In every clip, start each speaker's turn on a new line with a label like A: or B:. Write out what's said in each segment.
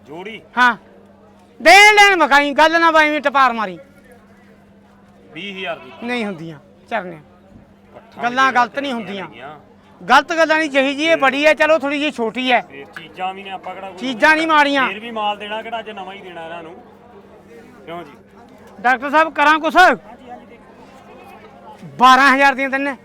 A: जोड़ी
B: हाँ देन लेन मकाई गल ना बाई टपार मारी
A: 20,000 दी
B: नहीं ਹੁੰਦੀਆਂ ਚਰਨੇ
A: ਪੱਠਾਂ
B: ਗੱਲਾਂ
A: ਜਿਹੜੀਆਂ
B: ਗਲਤ ਨਹੀਂ ਹੁੰਦੀਆਂ
A: ਹੈਗੀਆਂ।
B: ਗਲਤ ਗੱਲਾਂ ਨਹੀਂ ਜਿਹੀ ਜੀ ਇਹ ਬੜੀ ਹੈ ਚਲੋ ਥੋੜੀ ਜੀ ਛੋਟੀ ਹੈ
A: ਇਹ ਚੀਜ਼ਾਂ ਵੀ ਨੇ ਆਪਾਂ ਕਿਹੜਾ
B: ਚੀਜ਼ਾਂ ਨਹੀਂ ਮਾੜੀਆਂ
A: ਫੇਰ ਵੀ ਮਾਲ ਦੇਣਾ ਕਿਹੜਾ ਅੱਜ ਨਵਾਂ ਹੀ ਦੇਣਾ ਇਹਨਾਂ ਨੂੰ ਕਿਉਂ ਜੀ
B: ਡਾਕਟਰ ਸਾਹਿਬ ਕਰਾਂ ਕੁਛ 12000 ਦੀਆਂ ਤੈਨੇ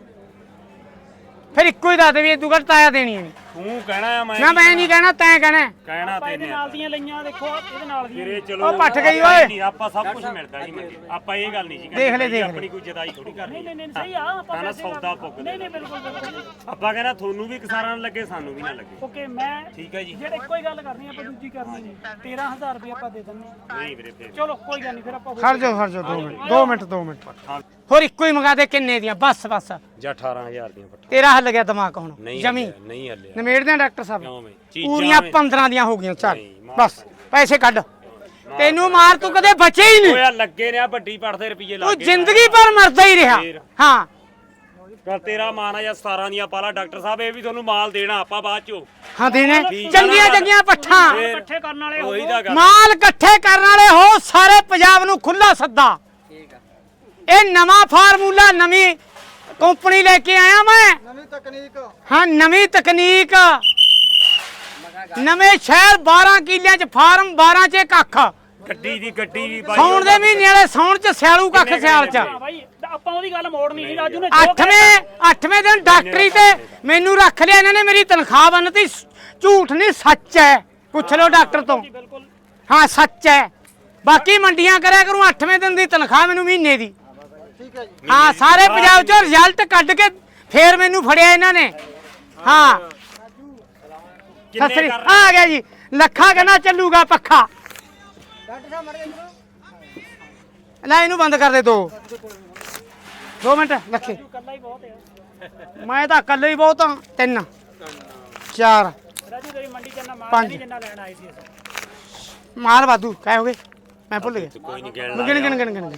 B: ਫਿਰ ਇੱਕੋ ਹੀ ਦੱਸ ਦੇ ਵੀ ਤੂੰ ਘੱਟ ਤਾਇਆ ਦੇਣੀ ਨਹੀਂ
A: ਤੂੰ ਕਹਿਣਾ ਆ
B: ਨਾ ਮੈਂ ਨਹੀਂ ਕਹਿਣਾ ਤੈਂ ਕਹਿਣਾ
A: ਕਹਿਣਾ ਤੇ ਨੇ
C: ਨਾਲ ਦੀਆਂ ਲਈਆਂ ਦੇਖੋ ਇਹਦੇ ਨਾਲ ਦੀਆਂ
A: ਤੇਰੇ ਚਲੋ
B: ਉਹ ਪੱਠ ਗਈ ਓਏ।
A: ਨਹੀਂ, ਆਪਾਂ ਸਭ ਕੁਝ ਮਿਲਦਾ ਜੀ ਮੰਡੀ ਆਪਾਂ ਇਹ ਗੱਲ ਨਹੀਂ ਜੀ
B: ਦੇਖ ਲੈ, ਦੇਖ ਲੈ।
A: ਆਪਣੀ ਕੋਈ ਜਦਾਈ ਥੋੜੀ ਕਰਨੀ
C: ਨਹੀਂ ਸਹੀ ਆ ਆਪਾਂ
A: ਨਾ ਸੌਦਾ ਪੁੱਗ
C: ਨਹੀਂ ਬਿਲਕੁਲ
A: ਆਪਾਂ ਕਹਿੰਦਾ ਤੁਹਾਨੂੰ ਵੀ ਕਿਸਾਨਾਂ ਨੂੰ ਲੱਗੇ ਸਾਨੂੰ ਵੀ ਨਾ ਲੱਗੇ
C: ਓਕੇ ਮੈਂ
A: ਠੀਕ ਹੈ ਜੀ
C: ਜਿਹੜੇ ਇੱਕੋ ਹੀ ਗੱਲ ਕਰਨੀ ਆਪਾਂ ਦੂਜੀ ਕਰਨੀ ਨਹੀਂ 13000 ਰੁਪਏ ਆਪਾਂ ਦੇ ਦਿੰਨੇ
A: ਨਹੀਂ ਵੀਰੇ ਫੇਰ
C: ਚਲੋ ਕੋਈ ਗੱਲ ਨਹੀਂ ਫਿਰ ਆਪਾਂ
B: ਖੜ ਜਾ 2 ਮਿੰਟ ਹੋਰ ਇੱਕੋ ਹੀ ਮੰਗਾ ਦੇ ਕਿੰਨੇ ਦੀਆਂ ਬਸ
A: ਜਾਂ 18000 ਦੀਆਂ ਪੱਠਾ
B: ਤੇਰਾ ਹੱਲ ਗਿਆ ਦਿਮਾਗ ਹੁਣ
A: ਨਹੀਂ
B: ਜਮੀ
A: ਹੱਲਿਆ, ਨਹੀਂ ਹੱਲਿਆ
B: ਨਿਮੇੜਦੇ ਆ ਡਾਕਟਰ ਸਾਹਿਬ
A: ਕਿਉਂ ਬਈ
B: ਪੂਰੀਆਂ 15 ਦੀਆਂ ਹੋ ਗਈਆਂ ਚੱਲ
A: ਨਹੀਂ, ਮਾਰ
B: ਬਸ ਪੈਸੇ ਕੱਢ ਤੈਨੂੰ ਮਾਰ ਤੂੰ ਕਦੇ ਬਚੇ ਹੀ ਨਹੀਂ
A: ਓਏ ਲੱਗੇ ਨੇ ਆ ਵੱਡੀ ਪੜਦੇ ਰੁਪਏ
B: ਤੂੰ
A: ਲੱਗੇ
B: ਜ਼ਿੰਦਗੀ ਭਰ ਮਰਦਾ ਹੀ ਰਿਹਾ
A: ਫੇਰ।
B: ਹਾਂ
A: ਕਰ ਤੇਰਾ ਮਾਨ ਆ ਜਾਂ 17 ਦੀਆਂ ਪਾਲਾ ਡਾਕਟਰ ਸਾਹਿਬ ਇਹ ਵੀ ਤੁਹਾਨੂੰ ਮਾਲ ਦੇਣਾ ਆਪਾਂ ਬਾਅਦ ਚੋਂ
B: ਹਾਂ ਦੇਣੇ
A: ਠੀਕ ਆ ਨਾ
B: ਚੰਗੀਆਂ
A: ਗੱਲ।
B: ਚੰਗੀਆਂ ਪੱਠਾਂ
A: ਫੇਰ
C: ਇਕੱਠੇ ਕਰਨ ਵਾਲੇ
A: ਉਹੀ ਦਾ ਗੱਲ
B: ਮਾਲ ਇਕੱਠੇ ਕਰਨ ਵਾਲੇ ਹੋ ਸਾਰੇ ਪੰਜਾਬ ਨੂੰ ਖੁੱਲਾ ਸੱਦਾ ਇਹ ਨਵਾਂ ਫਾਰਮੂਲਾ ਨਵੀਂ ਕੰਪਨੀ ਲੈ ਕੇ ਆਇਆ ਮੈਂ
D: ਨਵੀਂ ਤਕਨੀਕ
B: ਹਾਂ ਨਵੀਂ ਤਕਨੀਕ ਨਵੇਂ ਸ਼ਹਿਰ 12 ਕਿੱਲਿਆਂ ਚ ਫਾਰਮ 12 ਚ ਕੱਖ
A: ਗੱਡੀ ਦੀ ਗੱਡੀ ਵੀ ਬਾਈ
B: ਸੌਣ ਦੇ ਮਹੀਨੇ ਵਾਲੇ ਸੌਣ ਚ ਸਿਆਲੂ ਕੱਖ ਸਿਆਲ ਚ
C: ਹਾਂ ਬਾਈ ਆਪਾਂ ਉਹਦੀ ਗੱਲ ਮੋੜਨੀ ਸੀ ਰਾਜੂ ਨੇ
B: 8ਵੇਂ ਦਿਨ ਡਾਕਟਰੀ ਤੇ ਮੈਨੂੰ ਰੱਖ ਲਿਆ ਇਹਨਾਂ ਨੇ ਮੇਰੀ ਤਨਖਾਹ ਬੰਨਤੀ ਝੂਠ ਨਹੀਂ ਸੱਚ ਹੈ ਪੁੱਛ ਲਓ ਡਾਕਟਰ ਤੋਂ
C: ਬਿਲਕੁਲ
B: ਹਾਂ ਸੱਚ ਹੈ ਬਾਕੀ ਮੰਡੀਆਂ ਕਰਿਆ ਕਰੂੰ 8ਵੇਂ ਦਿਨ ਦੀ ਤਨਖਾਹ ਮੈਨੂੰ ਮਹੀਨੇ ਦੀ
D: ਠੀਕ ਹੈ ਜੀ
B: ਹਾਂ ਸਾਰੇ ਪੰਜਾਬ ਚੋਂ ਰਿਜ਼ਲਟ ਕੱਢ ਕੇ ਫੇਰ ਮੈਨੂੰ ਫੜਿਆ ਇਹਨਾਂ ਨੇ ਹਾਂ
A: ਕਿੰਨੇ
B: ਸਸਰੀ
A: ਕਰ
B: ਆ ਗਿਆ ਜੀ ਲੱਖਾਂ ਕਹਿੰਦਾ ਚੱਲੂਗਾ ਪੱਖਾ
D: ਡਾਕਟਰ ਸਾਹਿਬ ਮੜੇ
B: ਲੈ ਇਹਨੂੰ ਬੰਦ ਕਰ ਦੇ 2 ਮਿੰਟ ਲੱਖੇ
C: ਕੱਲਾ ਹੀ ਬਹੁਤ ਹੈ
B: ਮੈਂ ਤਾਂ ਇਕੱਲੇ ਹੀ ਬਹੁਤ ਹਾਂ 3 4
C: ਰਾਜੂ ਤੇਰੀ ਮੰਡੀ ਚ ਨਾ ਮਾਲ
B: ਪੰਜ।
C: ਨਹੀਂ ਜਿੰਨਾ ਲੈਣ ਆਏ ਸੀ ਅਸੀਂ
B: ਮਾਲ ਵਾਧੂ ਕਾਹ ਹੋ ਗਏ ਮੈਂ ਭੁੱਲ ਗਿਆ
A: ਕੋਈ ਨਹੀਂ ਕਹਿਣ
B: ਗਿਣ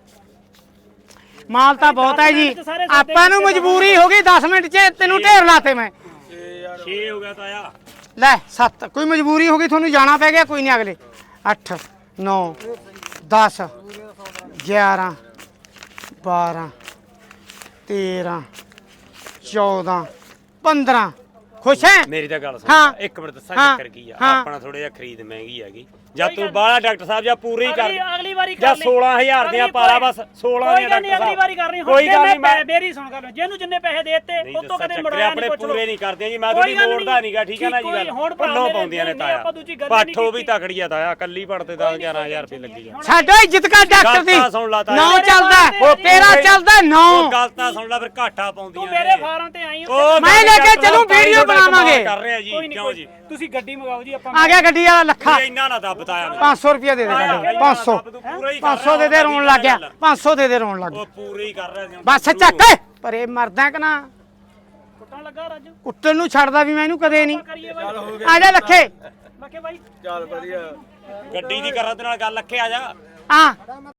B: ਮਾਲ ਤਾਂ ਬਹੁਤ ਹੈ ਜੀ ਆਪਾਂ ਨੂੰ ਮਜਬੂਰੀ ਹੋ ਗਈ 10 ਮਿੰਟ 'ਚ ਤੈਨੂੰ ਢੇਰ ਲਾਤੇ ਮੈਂ
A: 6 ਹੋ ਗਿਆ ਤਾਇਆ
B: ਲੈ 7 ਕੋਈ ਮਜਬੂਰੀ ਹੋ ਗਈ ਤੁਹਾਨੂੰ ਜਾਣਾ ਪੈ ਗਿਆ ਕੋਈ ਨਹੀਂ ਅਗਲੇ 8 9 10 11 12 13 14 15 ਖੁਸ਼ ਹੈ
A: ਮੇਰੀ ਤਾਂ ਗੱਲ
B: ਹਾਂ।
A: ਸੁਣ ਇੱਕ ਮਿੰਟ ਦੱਸਾਂ
B: ਹਾਂ।
A: ਚੱਕਰ ਕੀ ਆ
B: ਹਾਂ।
A: ਆਪਣਾ ਥੋੜਾ ਜਿਹਾ ਖਰੀਦ ਮਹਿੰਗੀ ਹੈਗੀ ਜਾਂ ਤੂੰ ਬਾਹਲਾ ਡਾਕਟਰ ਸਾਹਿਬ ਜਾਂ ਪੂਰੀ ਕਰ
C: ਅਗਲੀ ਵਾਰੀ
A: ਜਾਂ 16000 ਦੀਆਂ ਪਾਲਾ ਬਸ 16 ਦੀਆਂ
C: ਨਹੀਂ ਅਗਲੀ ਵਾਰੀ ਕਰਨੀ
A: ਕੋਈ ਗੱਲ ਨਹੀਂ ਮੈਂ
C: ਮੇਰੀ ਸੁਣ ਗੱਲ ਜਿਹਨੂੰ ਜਿੰਨੇ ਪੈਸੇ ਦੇਤੇ ਉਹ ਤੋਂ ਕਦੇ ਮੁੜਾਇਆ
A: ਆਪਣੇ
C: ਨਹੀਂ ਪੁੱਛ
A: ਪੂਰੇ ਨਹੀਂ ਕਰਦੇ ਜੀ ਮੈਂ ਤੁਹਾਡੀ ਮੋੜਦਾ ਨਹੀਂਗਾ ਠੀਕ ਹੈ ਨਾ ਜੀ ਗੱਲ ਪੱਲੋਂ ਪਾਉਂਦੀਆਂ ਨੇ ਤਾਇਆ ਪੱਠੋ ਵੀ ਤਕੜੀ ਆ ਤਾਇਆ ਕੱਲੀ ਪੜਤੇ 10-11000 ਰੁਪਏ ਲੱਗੀ ਆ
B: ਸਾਡਾ ਇੱਜ਼ਤ ਕਰ ਡਾਕਟਰ ਦੀ
A: ਗੱਲ ਤਾਂ ਸੁਣ ਲਾ ਤਾਇਆ।
B: 9 ਚੱਲਦਾ ਹੈ, ਤੇਰਾ ਚੱਲਦਾ 9
A: ਉਹ ਗੱਲ ਤਾਂ ਸੁਣ ਲੈ ਫਿਰ ਘਾਟਾ
C: ਤੂੰ
A: ਪਾਉਂਦੀਆਂ
C: ਮੇਰੇ ਫਾਰਮ ਤੇ ਆਈ
A: ਉਹ
B: ਮੈਂ ਲੈ ਕੇ ਚੱਲੂ
A: ਤਾਈ
B: ਵੀਡੀਓ
A: ਤੁਹਾਡਾ ਕਮਾਲ
B: ਬਣਾਵਾਂਗੇ
A: ਕਰ ਰਹੇ ਆ ਜੀ ਕਿਉਂ ਜੀ
C: ਤੁਸੀਂ ਗੱਡੀ ਮੰਗਾਓ ਜੀ ਆਪਾਂ
B: ਆ ਗਿਆ ਗੱਡੀ ਵਾਲਾ ਲੱਖਾ
A: ਇਹ ਇੰਨਾ ਨਾ ਦੱਬ ਤਾਇਆ ਮੈਨੂੰ
B: 500 ਰੁਪਏ ਦੇ ਦੇ ਸਾਡੇ 500
A: ਪੂਰਾ ਹੀ ਕਰ
B: 500 ਦੇ ਦੇ ਰੋਣ ਲੱਗ ਗਿਆ 500 ਦੇ ਦੇ ਰੋਣ ਲੱਗ ਗਿਆ
A: ਉਹ ਪੂਰੇ ਹੀ ਕਰ ਰਿਹਾ ਸੀ
B: ਬਸ ਚੱਕ ਪਰ ਇਹ ਮਰਦਾ ਕਿ ਨਾ
C: ਕੁੱਟਣ ਲੱਗਾ ਰਾਜੂ
B: ਕੁੱਟਣ ਨੂੰ ਛੱਡਦਾ ਵੀ ਮੈਂ ਇਹਨੂੰ ਕਦੇ ਨਹੀਂ
C: ਕਰੀਏ ਬਾਈ
B: ਆ ਜਾ ਲੱਖੇ
C: ਲੱਗੇ ਬਾਈ
A: ਗੱਡੀ ਦੀ ਕਰਾਂ ਤੇ ਨਾਲ ਗੱਲ ਲੱਖੇ ਆ ਜਾ
B: ਆ